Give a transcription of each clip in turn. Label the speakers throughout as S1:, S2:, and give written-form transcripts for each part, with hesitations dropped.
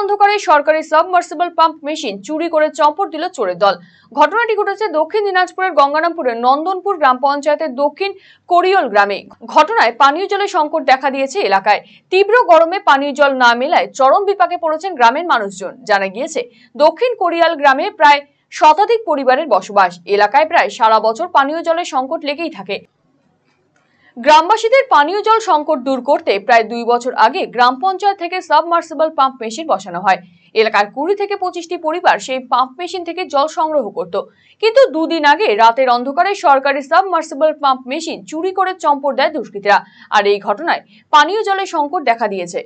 S1: অন্ধকারে সরকারি submersible pump machine চুরি করে চম্পট দিল চোরের দল। ঘটনাটি ঘটেছে দক্ষিণ দিনাজপুরের গঙ্গারামপুরের নন্দনপুর গ্রাম পঞ্চায়েতের দক্ষিণ কোরিয়ল গ্রামে। ঘটনায় পানীয় জলের সংকট দেখা দিয়েছে এলাকায়। তীব্র গরমে পানীয় জল না মেলায় চরম বিপাকে পড়েছেন গ্রামের মানুষজন। জানা গিয়েছে দক্ষিণ কোরিয়াল গ্রামে প্রায় শতাধিক পরিবারের বসবাস। এলাকায় প্রায় সারা বছর পানীয় জলের সংকট লেগেই থাকে। গ্রামবাসীদের পানীয় জল সংকট দূর করতে প্রায় 2 বছর আগে গ্রাম পঞ্চায়েত থেকে সাবমার্সিবল পাম্প মেশিন বসানো হয়। এলাকার 20 থেকে 25টি পরিবার সেই পাম্প মেশিন থেকে জল সংগ্রহ করত, কিন্তু 2 দিন আগে রাতের অন্ধকারে সরকারি সাবমার্সিবল পাম্প মেশিন চুরি করে চম্পট দেয় দুষ্কৃতীরা। আর এই ঘটনায় পানীয় জলের সংকট দেখা দিয়েছে।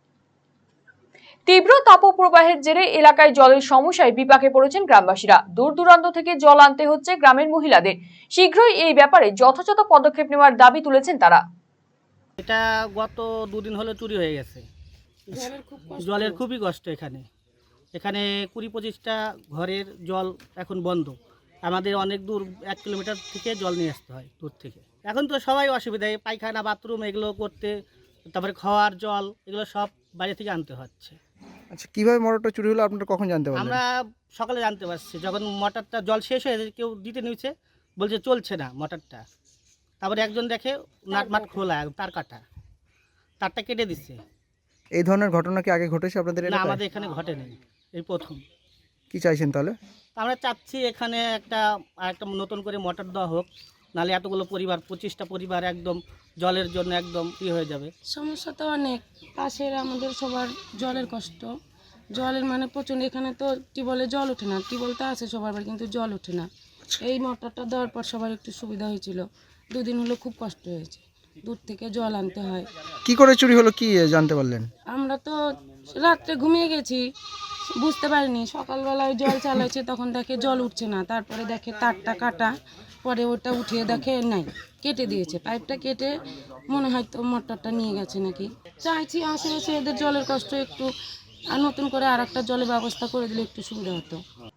S1: তীব্র তাপপ্রবাহের জেরে এলাকায় জলের সমস্যায় বিপাকে পড়েছেন গ্রামবাসীরা। দূর দূরান্ত থেকে জল আনতে হচ্ছে গ্রামের মহিলাদের। শীঘ্রই এই ব্যাপারে যথাযথ পদক্ষেপ নেওয়ার দাবি তুলেছেন তারা।
S2: এটা গত 2 দিন হলো চুরি হয়ে গেছে। জলের খুবই কষ্ট। এখানে 20-25টা ঘরের জল এখন বন্ধ। আমাদের অনেক দূর 1 কিলোমিটার থেকে জল নিয়ে আসতে হয় দূর থেকে। এখন তো সবাই অসুবিধায়, পায়খানা বাথরুম এগুলো করতে, তারপরে খাওয়ার জল এগুলো সব বাইরে থেকে আনতে হচ্ছে।
S3: আচ্ছা, কিভাবে মোটরটা চুরি হলো আপনারা কখন জানতে পারলেন?
S2: আমরা সকালে জানতে পারছি, যখন মোটরটা জল শেষ হয়ে কেউ দিতে নিয়েছে, বলছে চলছে না মোটরটা। তারপরে একজন দেখে নাটমাট খোলা, তারটা কেটে দিচ্ছে।
S3: এই ধরনের ঘটনা কি আগে ঘটেছে আপনাদের
S2: না,
S3: এলাকায়?
S2: আমাদের এখানে ঘটেনি, এই প্রথম।
S3: কি চাইছেন তাহলে?
S2: আমরা চাচ্ছি এখানে একটা নতুন করে মোটর দেওয়া হোক, নাহলে এতগুলো পরিবার, 25টা পরিবার একদম জলের জন্য একদম হয়ে যাবে।
S4: সমস্যা তো অনেক, পাশের আমাদের সবার জলের কষ্ট। জলের মানে প্রচণ্ড। এখানে তো টিউবওয়েলে জল ওঠে না, টিউবওয়েল তো আছে সবার বাড়ি, কিন্তু জল ওঠে না। এই মোটরটা দেওয়ার পর সবার একটু সুবিধা হয়েছিল। 2 দিন হলো খুব কষ্ট হয়েছে, দূর থেকে জল আনতে হয়।
S3: কি করে চুরি হলো কি জানতে পারলেন?
S4: আমরা তো রাত্রে ঘুমিয়ে গেছি, বুঝতে পারিনি। সকালবেলায় জল চালাইছে, তখন দেখে জল উঠছে না। তারপরে দেখে তারটা কাটা, পরে ওটা উঠিয়ে দেখে নাই, কেটে দিয়েছে। পাইপটা কেটে মনে হয় তো মোটরটা নিয়ে গেছে নাকি। চাইছি আশেপাশে এদের জলের কষ্ট একটু, আর নতুন করে আর একটা জলের ব্যবস্থা করে দিলে একটু সুবিধা হতো।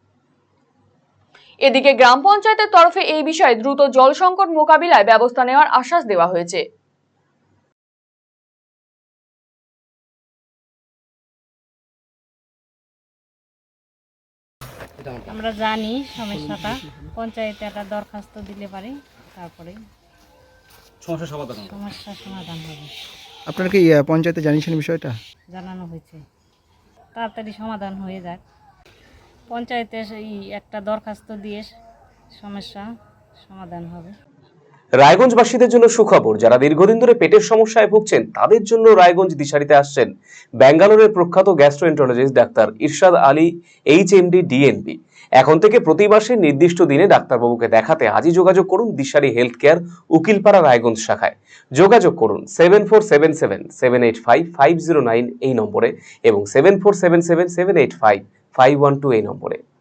S1: এদিকে গ্রাম পঞ্চায়েতের তরফে এই বিষয়ে দ্রুত জল সংকট মোকাবিলায় ব্যবস্থা নেওয়ার আশ্বাস দেওয়া হয়েছে।
S5: আমরা জানি সমস্যাটা, পঞ্চায়েতে একটা দরখাস্ত দিলে পারে, তারপরে সমস্যা সমাধান হবে।
S3: আপনারা কি পঞ্চায়েতে জানিয়েছেন বিষয়টা?
S5: জানানো হয়েছে, তাড়াতাড়ি সমাধান হয়ে যাক। পঞ্চায়েতে একটা দরখাস্ত দিয়ে সমস্যা সমাধান হবে।
S6: রায়গঞ্জবাসীদের জন্য সুখবর, যারা দীর্ঘদিন ধরে পেটের সমস্যায় ভুগছেন তাদের জন্য রায়গঞ্জ দিশারিতে আসছেন ব্যাঙ্গালোরের প্রখ্যাত গ্যাস্ট্রোএন্টারোলজিস্ট ডাক্তার ইরশাদ আলী, HMD, DNB। এখন থেকে প্রতি মাসে নির্দিষ্ট দিনে ডাক্তারবাবুকে দেখাতে আজই যোগাযোগ করুন দিশারি হেলথ কেয়ার, উকিলপাড়া, রায়গঞ্জ শাখায়। যোগাযোগ করুন 7477785509 এই নম্বরে এবং 7477785512 এই নম্বরে।